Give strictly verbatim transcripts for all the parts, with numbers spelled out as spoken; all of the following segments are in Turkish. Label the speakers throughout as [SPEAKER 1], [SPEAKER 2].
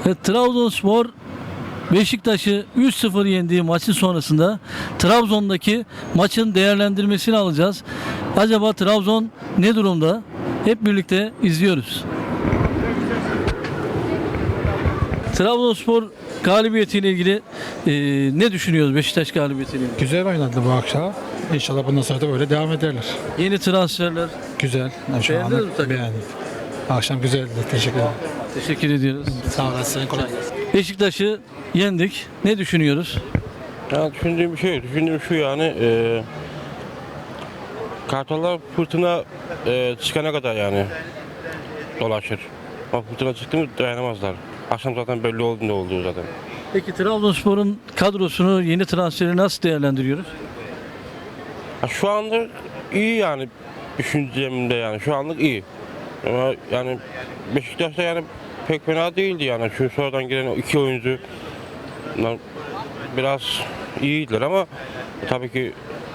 [SPEAKER 1] Evet, Trabzonspor Beşiktaş'ı üç sıfır yendiği maçın sonrasında Trabzon'daki maçın değerlendirmesini alacağız. Acaba Trabzon ne durumda? Hep birlikte izliyoruz. Trabzonspor galibiyetiyle ilgili e, ne düşünüyoruz Beşiktaş galibiyetiyle ilgili?
[SPEAKER 2] Güzel oynadı bu akşam. İnşallah bundan sonra da böyle devam ederler.
[SPEAKER 1] Yeni transferler.
[SPEAKER 2] Güzel. Yani şu
[SPEAKER 1] Beğendiniz mi
[SPEAKER 2] anda
[SPEAKER 1] takımı?
[SPEAKER 2] beğendim. Akşam güzeldi. Teşekkür ederim.
[SPEAKER 1] Teşekkür ediyoruz.
[SPEAKER 2] Sağ olasın. Kolay gelsin.
[SPEAKER 1] Beşiktaş'ı yendik. Ne düşünüyoruz?
[SPEAKER 3] Ya düşündüğüm bir şey, düşündüğüm şu yani e, Kartallar fırtına e, çıkana kadar yani dolaşır. Ama fırtına çıktı mı dayanamazlar. Akşam zaten belli oldu ne olduğu zaten.
[SPEAKER 1] Peki Trabzonspor'un kadrosunu, yeni transferi nasıl değerlendiriyoruz?
[SPEAKER 3] Ya şu anda iyi yani düşüncemde yani şu anlık iyi. Ama yani Beşiktaş'ta yani pek fena değildi yani. Şu sonradan gelen o iki oyuncu bunlar biraz iyiydiler ama tabii ki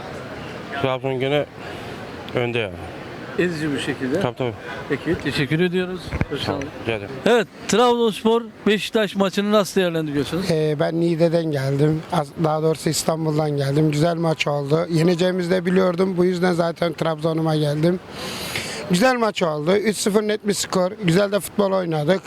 [SPEAKER 3] Trabzon gene önde yani.
[SPEAKER 1] Ezici bir şekilde.
[SPEAKER 3] Tabii tabii.
[SPEAKER 1] Peki teşekkür ediyoruz. Hoş
[SPEAKER 3] Sağ olun.
[SPEAKER 1] geldin.
[SPEAKER 3] Rica ederim.
[SPEAKER 1] Evet, Trabzonspor Beşiktaş maçını nasıl değerlendiriyorsunuz?
[SPEAKER 4] Ee, ben Niğde'den geldim. Az- Daha doğrusu İstanbul'dan geldim. Güzel maç oldu. Yeneceğimizi de biliyordum. Bu yüzden zaten Trabzon'uma geldim. Güzel maç oldu. üç sıfır net bir skor. Güzel de futbol oynadık.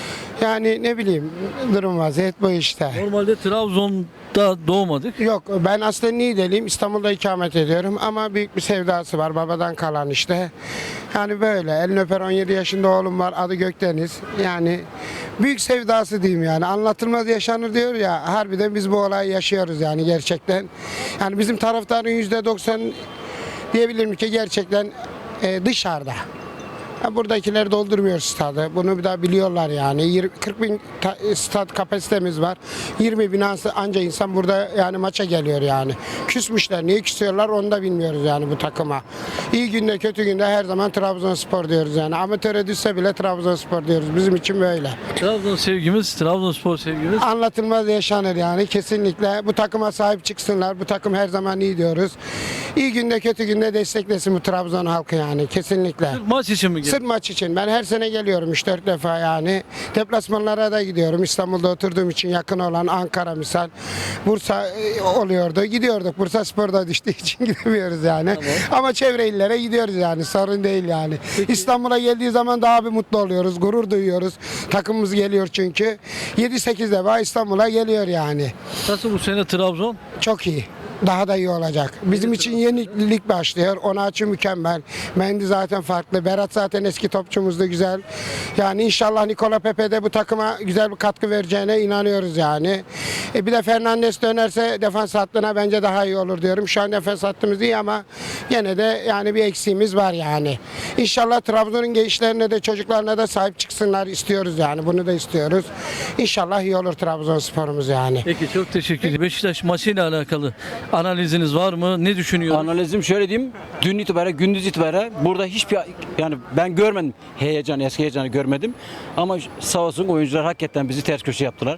[SPEAKER 4] Yani ne bileyim durum vaziyet bu işte.
[SPEAKER 1] Normalde Trabzon'da doğmadık.
[SPEAKER 4] Yok ben aslında Niğdeliyim. İstanbul'da ikamet ediyorum ama büyük bir sevdası var. Babadan kalan işte. Yani böyle. Elini öper on yedi yaşında oğlum var. Adı Gökdeniz. Yani büyük sevdası diyeyim yani. Anlatılmaz yaşanır diyor ya. Harbiden biz bu olayı yaşıyoruz yani gerçekten. Yani bizim taraftarın yüzde doksan diyebilirim ki gerçekten e, dışarıda. Ha, buradakiler doldurmuyor stadı. Bunu bir daha biliyorlar yani. yirmi kırk bin ta- stat kapasitemiz var. yirmi bin ansa- anca insan burada yani maça geliyor yani. Küsmüşler. Niye küsüyorlar onu da bilmiyoruz yani bu takıma. İyi günde kötü günde her zaman Trabzonspor diyoruz yani. Amatöre düşse bile Trabzonspor diyoruz. Bizim için böyle.
[SPEAKER 1] Trabzon sevgimiz, Trabzonspor sevgimiz.
[SPEAKER 4] Anlatılmaz yaşanır yani kesinlikle. Bu takıma sahip çıksınlar. Bu takım her zaman iyi diyoruz. İyi günde kötü günde desteklesin bu Trabzon halkı yani kesinlikle.
[SPEAKER 1] Maç için mi geldi?
[SPEAKER 4] Sırf maç için. Ben her sene geliyorum üç dört defa yani. Deplasmanlara da gidiyorum. İstanbul'da oturduğum için yakın olan Ankara misal. Bursa e, oluyordu. Gidiyorduk. Bursa Spor'da düştüğü için gidemiyoruz yani. Ama çevre illere gidiyoruz yani. Sorun değil yani. İstanbul'a geldiği zaman daha bir mutlu oluyoruz. Gurur duyuyoruz. Takımımız geliyor çünkü. yedi sekiz defa İstanbul'a geliyor yani.
[SPEAKER 1] Nasıl bu sene Trabzon?
[SPEAKER 4] Çok iyi. Daha da iyi olacak. Bizim için yeni lig başlıyor. Onaçı mükemmel. Mendy zaten farklı. Berat zaten eski topçumuzdu güzel. Yani inşallah Nikola Pepe de bu takıma güzel bir katkı vereceğine inanıyoruz yani. E bir de Fernandes dönerse defans hattına bence daha iyi olur diyorum. Şu an defans hattımız iyi ama gene de yani bir eksiğimiz var yani. İnşallah Trabzon'un gençlerine de çocuklarına da sahip çıksınlar istiyoruz yani. Bunu da istiyoruz. İnşallah iyi olur Trabzonspor'umuz yani.
[SPEAKER 1] Peki çok teşekkür ederim. Beşiktaş maçıyla alakalı analiziniz var mı? Ne düşünüyorsunuz?
[SPEAKER 5] Analizim şöyle diyeyim. Dün itibaren, gündüz itibaren burada hiçbir yani ben görmedim heyecan, eski heyecanı görmedim. Ama sağ olsun oyuncular hakikaten bizi ters köşe yaptılar.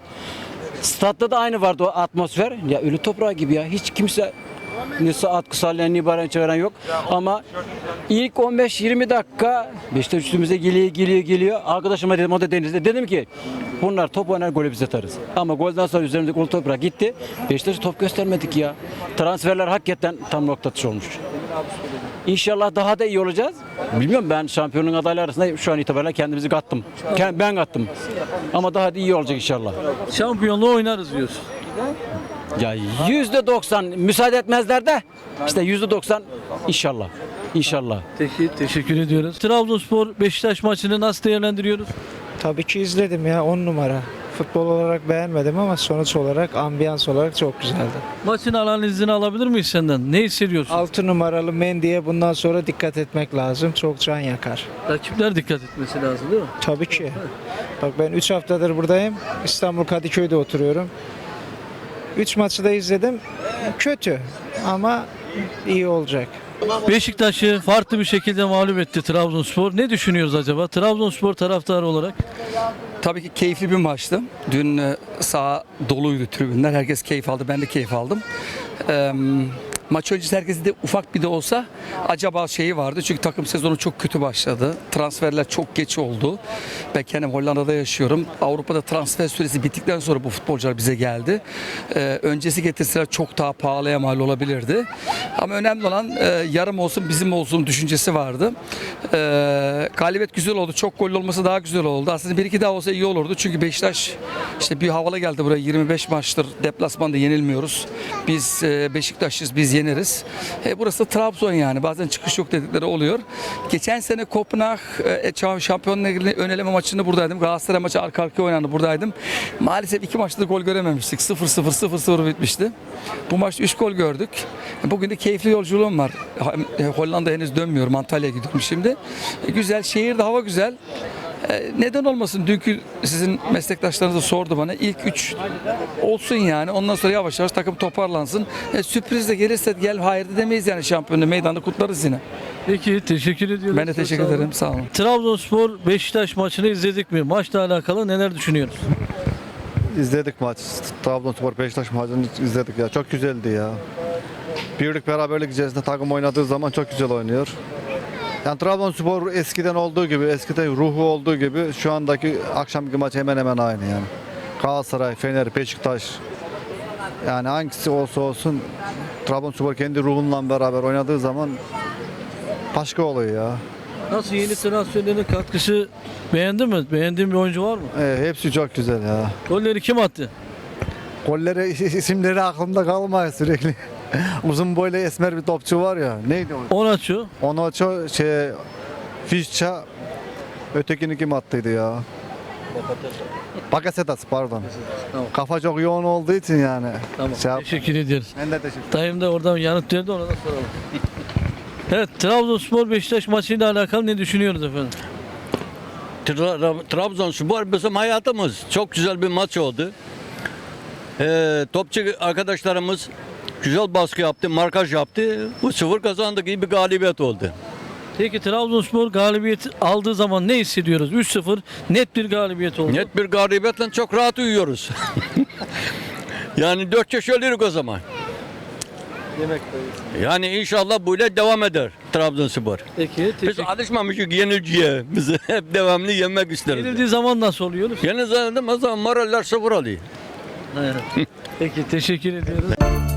[SPEAKER 5] Statta da aynı vardı o atmosfer. Ya ölü toprağı gibi ya. Hiç kimse ne atkı sallayan ne bağıran çağıran yok. Ama ilk on beş yirmi dakika Beşiktaş üstümüze geliyor geliyor geliyor. Arkadaşıma dedim o da denizde. Dedim ki bunlar top oynar golü biz atarız. Ama golden sonra üzerimizdeki ölü toprağı gitti. Beşiktaş'a top göstermedik ya. Transferler hakikaten tam nokta atışı olmuş. İnşallah daha da iyi olacağız. Bilmiyorum ben şampiyonun adayları arasında şu an itibariyle kendimizi kattım. Ben kattım. Ama daha da iyi olacak inşallah.
[SPEAKER 1] Şampiyonluğu oynarız diyorsun.
[SPEAKER 5] Ya yüzde doksan müsaade etmezler de işte yüzde doksan inşallah. İnşallah.
[SPEAKER 1] Peki teşekkür ediyoruz. Trabzonspor Beşiktaş maçını nasıl değerlendiriyoruz?
[SPEAKER 6] Tabii ki izledim ya on numara. Futbol olarak beğenmedim ama sonuç olarak, ambiyans olarak çok güzeldi.
[SPEAKER 1] Maçın analizini alabilir miyiz senden? Ne hissediyorsun?
[SPEAKER 6] altı numaralı Mendy'ye bundan sonra dikkat etmek lazım. Çok can yakar.
[SPEAKER 1] Rakipler dikkat etmesi lazım değil mi?
[SPEAKER 6] Tabii ki. Bak ben üç haftadır buradayım. İstanbul Kadıköy'de oturuyorum. üç maçı da izledim. Kötü ama iyi olacak.
[SPEAKER 1] Beşiktaş'ı farklı bir şekilde mağlup etti Trabzonspor. Ne düşünüyoruz acaba? Trabzonspor taraftarı olarak.
[SPEAKER 7] Tabii ki keyifli bir maçtı. Dün e, saha doluydu tribünler. Herkes keyif aldı. Ben de keyif aldım. Ee, Maç öncesi herkesin de ufak bir de olsa acaba şeyi vardı. Çünkü takım sezonu çok kötü başladı. Transferler çok geç oldu. Ben kendim Hollanda'da yaşıyorum. Avrupa'da transfer süresi bittikten sonra bu futbolcular bize geldi. Ee, öncesi getirseler çok daha pahalıya mal olabilirdi. Ama önemli olan e, yarım olsun bizim olsun düşüncesi vardı. Ee, galibiyet güzel oldu. Çok gollü olması daha güzel oldu. Aslında bir iki daha olsa iyi olurdu. Çünkü Beşiktaş işte bir havalı geldi buraya. yirmi beş maçtır deplasmanda yenilmiyoruz. Biz e, Beşiktaş'ız, biz yeneriz. E, burası da Trabzon yani. Bazen çıkış yok dedikleri oluyor. Geçen sene Kopenhag e, Şampiyonlar Ligi'nin ön eleme maçında buradaydım. Galatasaray maçı arka arkaya oynandı, buradaydım. Maalesef iki maçta da gol görememiştik. sıfır sıfır sıfır sıfır bitmişti. Bu maçta üç gol gördük. Bugün de keyifli yolculuğum var. Hollanda henüz dönmüyorum. Antalya'ya gidiyorum şimdi. E, güzel, şehirde hava güzel. E, neden olmasın? Dünkü sizin meslektaşlarınız da sordu bana. İlk üç olsun yani. Ondan sonra yavaş yavaş takım toparlansın. E, sürpriz de gelirse gel hayır da demeyiz yani, şampiyonluğu meydanda kutlarız yine.
[SPEAKER 1] Peki teşekkür ediyorum.
[SPEAKER 7] Ben de teşekkür
[SPEAKER 1] Sağ olun.
[SPEAKER 7] ederim. Sağ olun.
[SPEAKER 1] Trabzonspor Beşiktaş maçını izledik mi? Maçla alakalı neler düşünüyoruz?
[SPEAKER 8] İzledik maç. Trabzonspor Beşiktaş maçını izledik ya. Çok güzeldi ya. Birlik beraberlik içerisinde takım oynadığı zaman çok güzel oynuyor. Yani Trabzonspor eskiden olduğu gibi, eskiden ruhu olduğu gibi şu andaki akşamki maç hemen hemen aynı yani. Galatasaray, Fener, Beşiktaş, yani hangisi olsa olsun Trabzonspor kendi ruhunla beraber oynadığı zaman başka oluyor ya.
[SPEAKER 1] Nasıl, yeni transferlerin katkısı beğendin mi? Beğendiğin bir oyuncu var mı?
[SPEAKER 8] E, hepsi çok güzel ya.
[SPEAKER 1] Golleri kim attı?
[SPEAKER 8] Golleri isimleri aklımda kalmıyor sürekli. Uzun boylu esmer bir topçu var ya. Neydi o?
[SPEAKER 1] Onaçu.
[SPEAKER 8] Onu çok şey Fişça, ötekini kim attıydı ya? Bakasetas pardon.
[SPEAKER 1] Tamam.
[SPEAKER 8] Kafa çok yoğun olduğu için yani.
[SPEAKER 1] Tamam.
[SPEAKER 8] Şey yap-
[SPEAKER 1] Teşekkür ediyoruz.
[SPEAKER 8] Ben de teşekkür
[SPEAKER 1] Dayım da oradan yanıt verdi, ona da soralım. Evet, Trabzonspor Beşiktaş maçıyla alakalı ne düşünüyoruz efendim?
[SPEAKER 9] Tra- Trabzonspor bizim hayatımız. Çok güzel bir maç oldu. Ee, topçu arkadaşlarımız güzel baskı yaptı, markaj yaptı. Bu sıfır kazandık, iyi bir galibiyet oldu.
[SPEAKER 1] Peki Trabzonspor galibiyet aldığı zaman ne hissediyoruz? üç sıfır net bir galibiyet oldu.
[SPEAKER 9] Net bir galibiyetle çok rahat uyuyoruz. Yani dört yaş ölürük o zaman. Yani inşallah böyle devam eder Trabzonspor.
[SPEAKER 1] Peki,
[SPEAKER 9] Biz
[SPEAKER 1] teşekkür.
[SPEAKER 9] alışmamışız yenilgiye. Biz hep devamlı yemek isteriz.
[SPEAKER 1] Yenildiği zaman nasıl oluyoruz?
[SPEAKER 9] Yeni zaman o zaman moraller sıfır oluyor.
[SPEAKER 1] Peki, teşekkür ediyoruz.